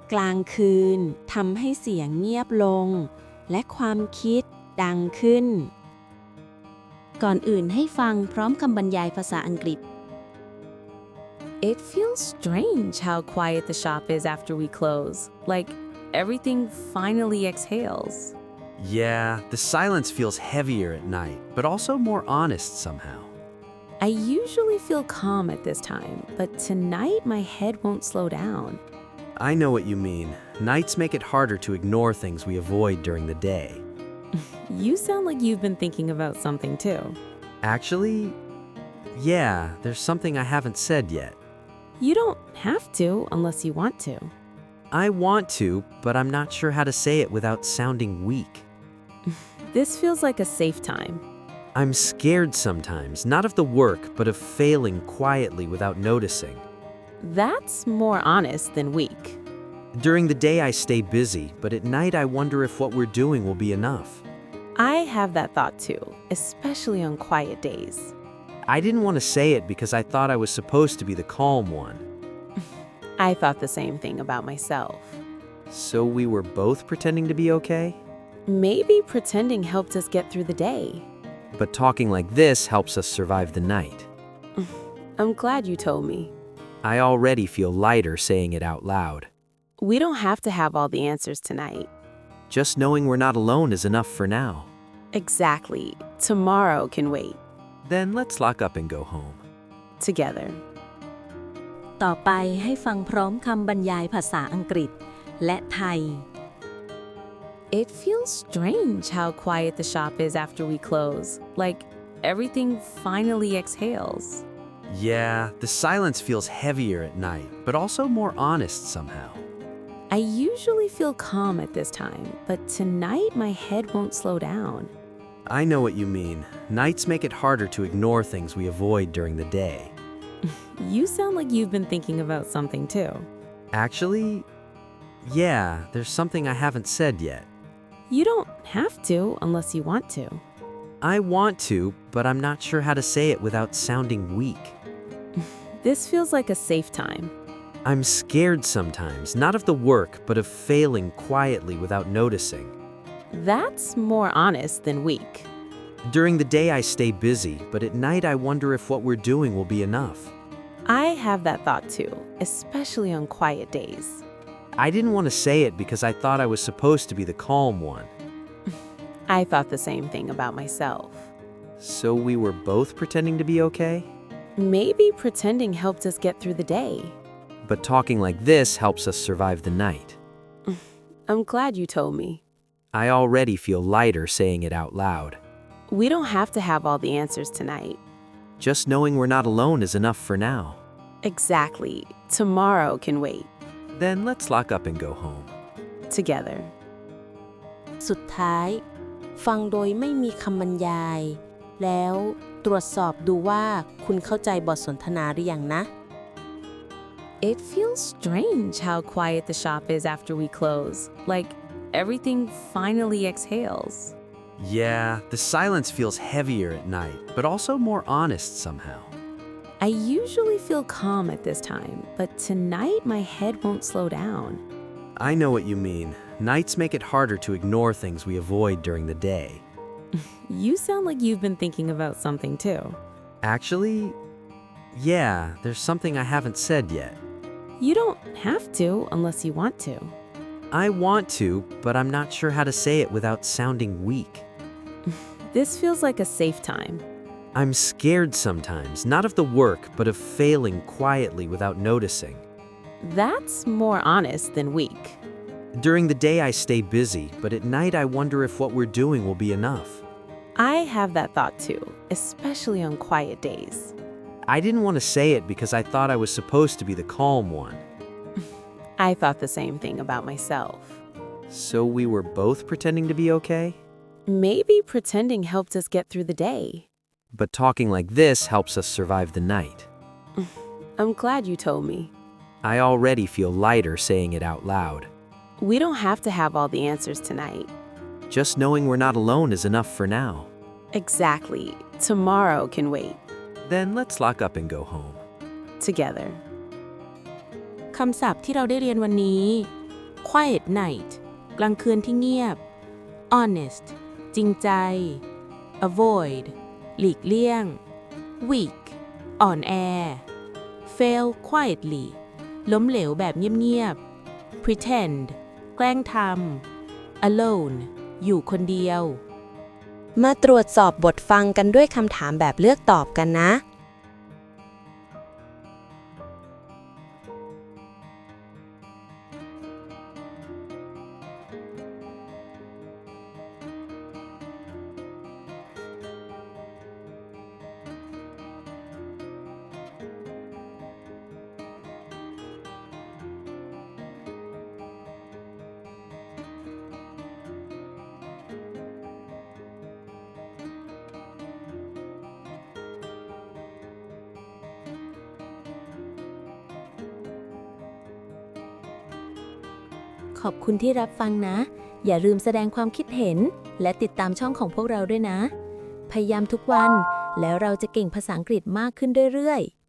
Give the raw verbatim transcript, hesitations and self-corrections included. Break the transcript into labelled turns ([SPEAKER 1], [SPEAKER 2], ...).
[SPEAKER 1] กลางคืนทำให้เสียงเงียบลงและความคิดดังขึ้นก่อนอื่นให้ฟังพร้อมคำบรรยายภาษาอังกฤษ
[SPEAKER 2] It feels strange how quiet the shop is after we close. Like everything finally exhales.
[SPEAKER 3] Yeah, the silence feels heavier at night, but also more honest somehow.
[SPEAKER 2] I usually feel calm at this time, but tonight my head won't slow down.
[SPEAKER 3] I know what you mean. Nights make it harder to ignore things we avoid during the day.
[SPEAKER 2] You sound like you've been thinking about something too.
[SPEAKER 3] Actually, yeah, there's something I haven't said yet.
[SPEAKER 2] You don't have to unless you want to.
[SPEAKER 3] I want to, but I'm not sure how to say it without sounding weak.
[SPEAKER 2] This feels like a safe time.
[SPEAKER 3] I'm scared sometimes, not of the work, but of failing quietly without noticing.
[SPEAKER 2] That's more honest than weak.
[SPEAKER 3] During the day I stay busy, but at night I wonder if what we're doing will be enough.
[SPEAKER 2] I have that thought too, especially on quiet days.
[SPEAKER 3] I didn't want to say it because I thought I was supposed to be the calm one.
[SPEAKER 2] I thought the same thing about myself.
[SPEAKER 3] So we were both pretending to be okay?
[SPEAKER 2] Maybe pretending helped us get through the day.
[SPEAKER 3] But talking like this helps us survive the night.
[SPEAKER 2] I'm glad you told me.
[SPEAKER 3] I already feel lighter saying it out loud.
[SPEAKER 2] We don't have to have all the answers tonight.
[SPEAKER 3] Just knowing we're not alone is enough for now.
[SPEAKER 2] Exactly. Tomorrow can wait.
[SPEAKER 3] Then let's lock up and go home.
[SPEAKER 2] Together.
[SPEAKER 1] ต่อไปให้ฟังพร้อมคำบรรยายภาษาอังกฤษและไทย
[SPEAKER 2] It feels strange how quiet the shop is after we close. Like everything finally exhales.
[SPEAKER 3] Yeah, the silence feels heavier at night, but also more honest somehow.
[SPEAKER 2] I usually feel calm at this time, but tonight my head won't slow down.
[SPEAKER 3] I know what you mean. Nights make it harder to ignore things we avoid during the day.
[SPEAKER 2] You sound like you've been thinking about something too.
[SPEAKER 3] Actually, yeah, there's something I haven't said yet.
[SPEAKER 2] You don't have to unless you want to.
[SPEAKER 3] I want to, but I'm not sure how to say it without sounding weak.
[SPEAKER 2] This feels like a safe time.
[SPEAKER 3] I'm scared sometimes, not of the work, but of failing quietly without noticing.
[SPEAKER 2] That's more honest than weak.
[SPEAKER 3] During the day I stay busy, but at night I wonder if what we're doing will be enough.
[SPEAKER 2] I have that thought too, especially on quiet days.
[SPEAKER 3] I didn't want to say it because I thought I was supposed to be the calm one.
[SPEAKER 2] I thought the same thing about myself.
[SPEAKER 3] So we were both pretending to be okay?
[SPEAKER 2] Maybe pretending helped us get through the day.
[SPEAKER 3] But talking like this helps us survive the night.
[SPEAKER 2] I'm glad you told me.
[SPEAKER 3] I already feel lighter saying it out loud.
[SPEAKER 2] We don't have to have all the answers tonight.
[SPEAKER 3] Just knowing we're not alone is enough for now.
[SPEAKER 2] Exactly. Tomorrow can wait.
[SPEAKER 3] Then let's lock up and go home.
[SPEAKER 2] Together.
[SPEAKER 1] สุดท้ายฟังโดยไม่มีคำบรรยาย แล้วตรวจสอบดูว่าคุณเข้าใจบทสนทนาหรือยังนะ
[SPEAKER 2] It feels strange how quiet the shop is after we close. Like everything finally exhales.
[SPEAKER 3] Yeah, the silence feels heavier at night, but also more honest somehow.
[SPEAKER 2] I usually feel calm at this time, but tonight my head won't slow down.
[SPEAKER 3] I know what you mean. Nights make it harder to ignore things we avoid during the day.
[SPEAKER 2] You sound like you've been thinking about something too.
[SPEAKER 3] Actually, yeah, there's something I haven't said yet.
[SPEAKER 2] You don't have to unless you want to.
[SPEAKER 3] I want to, but I'm not sure how to say it without sounding weak.
[SPEAKER 2] This feels like a safe time.
[SPEAKER 3] I'm scared sometimes, not of the work, but of failing quietly without noticing.
[SPEAKER 2] That's more honest than weak.
[SPEAKER 3] During the day I stay busy, but at night I wonder if what we're doing will be enough.
[SPEAKER 2] I have that thought too, especially on quiet days.
[SPEAKER 3] I didn't want to say it because I thought I was supposed to be the calm one.
[SPEAKER 2] I thought the same thing about myself.
[SPEAKER 3] So we were both pretending to be okay?
[SPEAKER 2] Maybe pretending helped us get through the day.
[SPEAKER 3] But talking like this helps us survive the night.
[SPEAKER 2] I'm glad you told me.
[SPEAKER 3] I already feel lighter saying it out loud.
[SPEAKER 2] We don't have to have all the answers tonight.
[SPEAKER 3] Just knowing we're not alone is enough for now.
[SPEAKER 2] Exactly. Tomorrow can wait.
[SPEAKER 3] Then let's lock up and go home.
[SPEAKER 2] Together.
[SPEAKER 1] คำศัพท์ที่เราได้เรียนวันนี้
[SPEAKER 4] quiet night กลางคืนที่เงียบ honest จริงใจ avoid หลีกเลี่ยง weak อ่อนแอ fail quietly ล้มเหลวแบบเงียบๆ pretend แกล้งทำ alone อยู่คนเดียว
[SPEAKER 1] มาตรวจสอบบทฟังกันด้วยคำถามแบบเลือกตอบกันนะ
[SPEAKER 4] ขอบคุณที่รับฟังนะ อย่าลืมแสดงความคิดเห็น และติดตามช่องของพวกเราด้วยนะ พยายามทุกวัน แล้วเราจะเก่งภาษาอังกฤษมากขึ้นเรื่อยๆ